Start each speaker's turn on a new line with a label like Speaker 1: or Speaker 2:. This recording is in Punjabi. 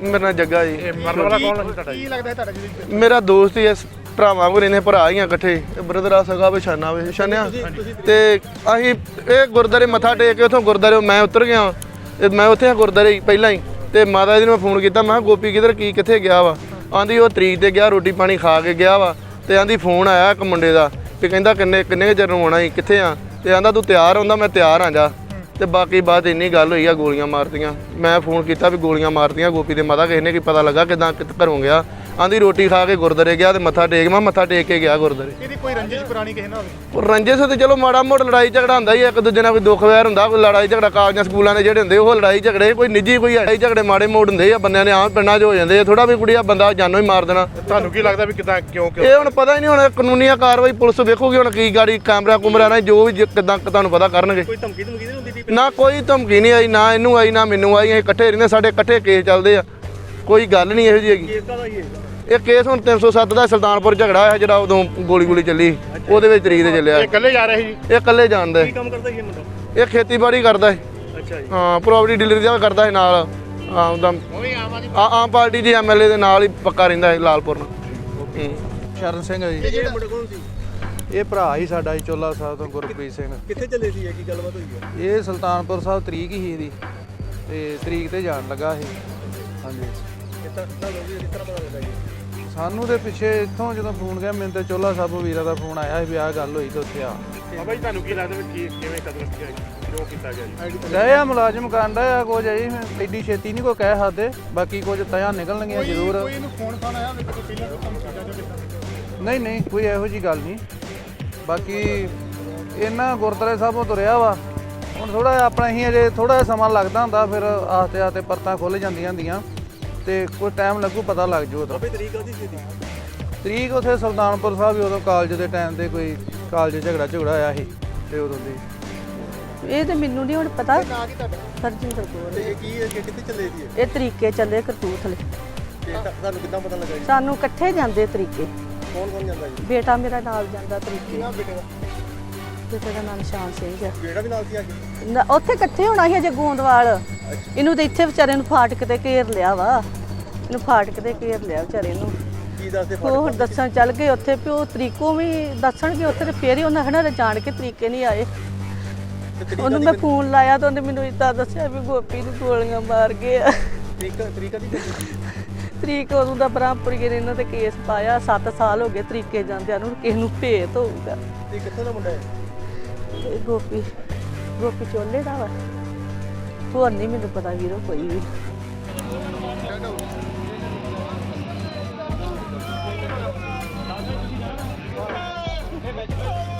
Speaker 1: ਮੇਰਾ ਨਾਂ ਜੱਗਾ ਜੀ।
Speaker 2: ਮਰਨ ਵਾਲਾ ਕੌਣ ਸੀ ਤੁਹਾਡਾ? ਕੀ ਲੱਗਦਾ ਤੁਹਾਡਾ ਜੀ?
Speaker 1: ਮੇਰਾ ਦੋਸਤ ਹੀ ਇਸ ਭਰਾਵਾਂ ਕੋਲ ਇਹਨੇ ਭਰਾ ਹੀ ਆ ਇਕੱਠੇ, ਬ੍ਰਦਰ ਆ ਸਗਾ ਵਿਛਾਨਾ ਵੇ ਛਾਨਿਆ। ਤੇ ਅਸੀਂ ਇਹ ਗੁਰਦਾਰੇ ਮੱਥਾ ਟੇਕ ਕੇ ਉੱਥੋਂ ਗੁਰਦਾਰੇ ਮੈਂ ਉਤਰ ਗਿਆ ਤੇ ਮੈਂ ਉੱਥੇ ਆ ਗੁਰਦਾਰੇ ਪਹਿਲਾਂ ਹੀ। ਤੇ ਮਾਤਾ ਜੀ ਨੂੰ ਮੈਂ ਫੋਨ ਕੀਤਾ, ਮੈਂ ਕਿਹਾ ਗੋਪੀ ਕਿੱਧਰ ਕਿੱਥੇ ਗਿਆ ਵਾ? ਆਂਦੀ ਉਹ ਤਰੀਕ ਤੇ ਗਿਆ, ਰੋਟੀ ਪਾਣੀ ਖਾ ਕੇ ਗਿਆ ਵਾ। ਤੇ ਆਂਦੀ ਫੋਨ ਆਇਆ ਇੱਕ ਮੁੰਡੇ ਦਾ ਵੀ ਕਹਿੰਦਾ ਕਿੰਨੇ ਚਿਰ ਨੂੰ ਆਉਣਾ ਸੀ, ਕਿੱਥੇ ਆ? ਤੇ ਆਂਦਾ ਤੂੰ ਤਿਆਰ ਹੁੰਦਾ, ਮੈਂ ਤਿਆਰ ਆ ਜਾ। ਤੇ ਬਾਕੀ ਬਾਤ ਇੰਨੀ ਗੱਲ ਹੋਈ ਆ, ਗੋਲੀਆਂ ਮਾਰਤੀਆਂ। ਮੈਂ ਫੋਨ ਕੀਤਾ ਵੀ ਗੋਲੀਆਂ ਮਾਰਤੀਆਂ ਗੋਪੀ ਦੇ ਮਾਤਾ, ਕਿਸੇ ਨੇ ਕੀ ਪਤਾ ਲੱਗਾ ਕਿੱਦਾਂ ਘਰੋਂ ਗਿਆ? ਆਂਦੀ ਰੋਟੀ ਖਾ ਕੇ ਗੁਰਦਾਰੇ ਗਿਆ ਤੇ ਮੱਥਾ ਟੇਕ, ਮੈਂ ਮੱਥਾ ਟੇਕ ਕੇ ਗਿਆ ਗੁਰਦਾਰੇ।
Speaker 2: ਇਹਦੀ ਕੋਈ ਰੰਜਿਸ਼ ਪੁਰਾਣੀ ਕਿਸੇ ਨਾਲ ਹੋਵੇ?
Speaker 1: ਰੰਜਿਸ਼ ਤੇ ਚਲੋ ਮਾੜਾ ਮੋਟਾ ਲੜਾਈ ਝਗੜਾ ਹੁੰਦਾ ਹੀ, ਇੱਕ ਦੂਜੇ ਨਾਲ ਕੋਈ ਦੁੱਖ ਵੈਰ ਹੁੰਦਾ, ਕੋਈ ਲੜਾਈ ਝਗੜਾ ਕਾਲਜਾਂ ਸਕੂਲਾਂ ਦੇ ਜਿਹੜੇ ਹੁੰਦੇ ਉਹ ਲੜਾਈ ਝਗੜੇ, ਕੋਈ ਨਿੱਜੀ ਕੋਈ ਲੜਾਈ ਝਗੜੇ ਮਾੜੇ ਮੋੜ ਹੁੰਦੇ ਆ ਬੰਦਿਆਂ ਦੇ ਆਮ ਪਿੰਡਾਂ 'ਚ ਹੋ ਜਾਂਦੇ ਆ। ਥੋੜਾ ਵੀ ਕੁੜੀਆ ਬੰਦਾ ਜਾਨੋਂ ਹੀ ਮਾਰ ਦੇਣਾ।
Speaker 2: ਤੁਹਾਨੂੰ ਕੀ ਲੱਗਦਾ ਵੀ ਕਿਦਾਂ ਕਿਉਂ?
Speaker 1: ਇਹ ਹੁਣ ਪਤਾ ਹੀ ਨਹੀਂ, ਹੁਣ ਕਾਨੂੰਨੀ ਕਾਰਵਾਈ ਪੁਲਿਸ ਵੇਖੂਗੀ ਹੁਣ ਕੀ ਗਾੜੀ ਕੈਮਰਾ ਕੁਮਰਾ ਨਾਲ ਜੋ ਵੀ ਕਿਦਾਂ ਤੁਹਾਨੂੰ ਪਤਾ ਕਰਨਗੇ।
Speaker 2: ਕੋਈ ਧਮਕੀ ਨਹੀਂ ਹੁੰਦੀ?
Speaker 1: ਨਾ ਕੋਈ ਧਮਕੀ ਨਹੀਂ ਆਈ, ਨਾ ਇਹਨੂੰ ਆਈ ਨਾ ਮੈਨੂੰ ਆਈ। ਅਸੀਂ ਇਕੱਠੇ ਰਹਿੰਦੇ, ਸਾਡੇ ਇਕੱਠੇ ਕੇਸ ਚੱਲਦੇ ਆ, ਕੋਈ ਗੱਲ ਨਹੀਂ ਇਹੋ ਜਿਹੀ ਹੈਗੀ। ਇਹ ਕੇਸ ਹੁਣ 307 ਦਾ ਸੁਲਤਾਨਪੁਰ ਝਗੜਾ ਹੋਇਆ ਜਿਹੜਾ ਉਦੋਂ ਗੋਲੀ ਚੱਲੀ, ਉਹਦੇ ਵਿੱਚ ਤਰੀਕ ਤੇ ਚੱਲਿਆ।
Speaker 2: ਇਹ ਇਕੱਲੇ ਜਾ ਰਹੇ ਸੀ?
Speaker 1: ਇਹ ਇਕੱਲੇ ਜਾਣਦਾ।
Speaker 2: ਕੀ ਕੰਮ ਕਰਦਾ ਸੀ ਇਹ ਮੁੰਡਾ?
Speaker 1: ਇਹ ਖੇਤੀਬਾੜੀ ਕਰਦਾ ਹੈ।
Speaker 2: ਅੱਛਾ ਜੀ।
Speaker 1: ਹਾਂ, ਪ੍ਰੋਪਰਟੀ ਡੀਲਰ ਦਾ ਕਰਦਾ ਹੈ ਨਾਲ। ਹਾਂ, ਉਹਦਾ ਆਮ ਪਾਰਟੀ ਦੇ ਐਮਐਲਏ ਦੇ ਨਾਲ ਹੀ ਪੱਕਾ ਰਹਿੰਦਾ ਹੈ ਲਾਲਪੁਰ ਨੂੰ।
Speaker 3: ਸ਼ਰਨ ਸਿੰਘ ਹੈ ਜੀ।
Speaker 2: ਇਹ ਮੁੰਡਾ ਕੌਣ ਸੀ?
Speaker 3: ਇਹ ਭਰਾ ਹੀ ਸਾਡਾ ਜੀ, ਚੋਲਾ ਸਾਹਿਬ ਤੋਂ ਗੁਰਪ੍ਰੀਤ ਸਿੰਘ।
Speaker 2: ਕਿੱਥੇ ਚੱਲੇ ਸੀ? ਕੀ ਗੱਲਬਾਤ ਹੋਈ ਹੈ?
Speaker 3: ਇਹ ਸੁਲਤਾਨਪੁਰ ਸਾਹਿਬ ਤਰੀਕ ਹੀ ਇਹਦੀ, ਤੇ ਤਰੀਕ ਤੇ ਜਾਣ ਲੱਗਾ ਇਹ। ਹਾਂਜੀ, ਸਾਨੂੰ ਦੇ ਪਿੱਛੇ ਇੱਥੋਂ ਜਦੋਂ ਫੋਨ ਗਿਆ ਮੈਨੂੰ ਤੇ ਚੋਲਾ ਸਾਹਿਬ ਵੀਰਾ ਦਾ ਫੋਨ ਆਇਆ ਸੀ ਵੀ ਆਹ ਗੱਲ ਹੋਈ ਤੇ ਉੱਥੇ ਆ।
Speaker 2: ਬਾਬਾ ਜੀ ਤੁਹਾਨੂੰ ਕੀ ਲੱਗਦਾ ਵੀ ਕਿਵੇਂ ਕਦਮ ਕਿਉਂ ਕੀਤਾ ਗਿਆ ਜੀ?
Speaker 3: ਗਏ ਆ ਮੁਲਾਜ਼ਮ ਕਾਂਡਾ ਆ ਕੁਝ ਜੀ, ਐਡੀ ਛੇਤੀ ਨਹੀਂ ਕੋਈ ਕਹਿ ਸਕਦੇ, ਬਾਕੀ ਕੁਝ ਤਿਆ ਨਿਕਲਣਗੀਆਂ ਜ਼ਰੂਰ। ਨਹੀਂ ਕੋਈ ਇਹੋ ਜੀ ਗੱਲ ਨਹੀਂ। ਬਾਕੀ ਇਹਨਾਂ ਗੁਰਦੁਆਰੇ ਸਾਹਿਬੋਂ ਤੁਰਿਆ ਵਾ, ਹੁਣ ਥੋੜਾ ਆਪਣਾ ਹੀ ਅਜੇ ਥੋੜਾ ਜਿਹਾ ਸਮਾਂ ਲੱਗਦਾ ਹੁੰਦਾ, ਫਿਰ ਆਸਤੇ ਆਸਤੇ ਪਰਤਾਂ ਖੁੱਲ੍ਹ ਜਾਂਦੀਆਂ ਹੁੰਦੀਆਂ ਤੇ ਕੋਈ ਟਾਈਮ ਲੱਗੂ, ਪਤਾ ਲੱਗ ਜੂ। ਉਦੋਂ ਤਰੀਕ ਉੱਥੇ ਸੁਲਤਾਨਪੁਰ ਸਾਹਿਬ ਉਦੋਂ ਕਾਲਜ ਦੇ ਟਾਈਮ ਤੇ ਕੋਈ ਕਾਲਜ ਝਗੜਾ ਹੋਇਆ ਸੀ ਤੇ ਉਦੋਂ ਦੀ।
Speaker 4: ਇਹ ਤੇ ਮੈਨੂੰ ਨਹੀਂ ਹੁਣ ਪਤਾ। ਹਰਜਿੰਦਰ ਕੌਰ।
Speaker 2: ਇਹ ਕੀ ਕਿੱਥੇ ਚੱਲੇ ਸੀ?
Speaker 4: ਇਹ ਤਰੀਕੇ ਚੱਲੇ ਕਰਤੂਥਲੇ।
Speaker 2: ਤੁਹਾਨੂੰ ਕਿੱਦਾਂ ਪਤਾ ਲੱਗਾ ਜੀ?
Speaker 4: ਸਾਨੂੰ ਇਕੱਠੇ ਜਾਂਦੇ ਤਰੀਕੇ।
Speaker 2: ਕੌਣ ਜਾਂਦਾ ਜੀ?
Speaker 4: ਬੇਟਾ ਮੇਰਾ ਨਾਲ ਜਾਂਦਾ ਤਰੀਕੇ।
Speaker 2: ਕਿਹਨਾਂ ਬੇਟੇ ਦਾ?
Speaker 4: ਬੇਟੇ ਦਾ ਨਾਮ ਨਿਸ਼ਾਨ ਸਿੰਘ ਹੈ।
Speaker 2: ਬੇਟਾ ਵੀ ਨਾਲ ਸੀ ਅੱਜ?
Speaker 4: ਉੱਥੇ ਇਕੱਠੇ ਹੋਣਾ ਸੀ ਅਜੇ ਗੋਂਦਵਾਲ। ਇਹਨੂੰ ਤੇ ਇੱਥੇ ਵਿਚਾਰੇ ਨੂੰ ਫਾਟਕ ਤੇ ਘੇਰ ਲਿਆ ਵਾ, ਇਹਨੂੰ ਫਾਟਕ ਤੇ ਘੇਰ ਲਿਆ ਵਿਚਾਰੇ ਨੂੰ।
Speaker 2: ਕੀ ਦੱਸਦੇ?
Speaker 4: ਉਹ ਦੱਸਣ ਚੱਲ ਗਏ ਉੱਥੇ ਵੀ ਉਹ ਤਰੀਕੋਂ ਵੀ ਦੱਸਣਗੇ ਉੱਥੇ, ਤੇ ਫੇਰ ਹੀ ਉਹਨਾਂ ਹਨਾ ਜਾਣ ਕੇ ਤਰੀਕੇ ਨਹੀਂ ਆਏ। ਉਹਨੂੰ ਮੈਂ ਫੋਨ ਲਾਇਆ ਤਾਂ ਉਹਨੇ ਮੈਨੂੰ ਇੱਦਾਂ ਦੱਸਿਆ ਵੀ ਗੋਪੀ ਨੂੰ ਗੋਲੀਆਂ ਮਾਰ ਗਏ ਆ।
Speaker 2: ਤਰੀਕਾ ਦੀ
Speaker 4: ਤਰੀਕ ਉਦੋਂ ਦਾ ਬ੍ਰਹਮਪੁਰੀਏ ਨੇ ਇਹਨਾਂ ਤੇ ਕੇਸ ਪਾਇਆ। 7 ਸਾਲ ਹੋ ਗਏ ਤਰੀਕੇ ਜਾਂਦਿਆਂ ਨੂੰ, ਕਿਸੇ ਨੂੰ ਭੇਤ ਹੋਊਗਾ।
Speaker 2: ਇਹ ਕਿੱਥੋਂ ਦਾ ਮੁੰਡਾ ਹੈ?
Speaker 4: ਇਹ ਗੋਪੀ ਚੋਲੇ ਦਾ ਵਾ। ਹੋਰ ਨਹੀਂ ਮੈਨੂੰ ਪਤਾ ਵੀਰੋ ਕੋਈ ਵੀ।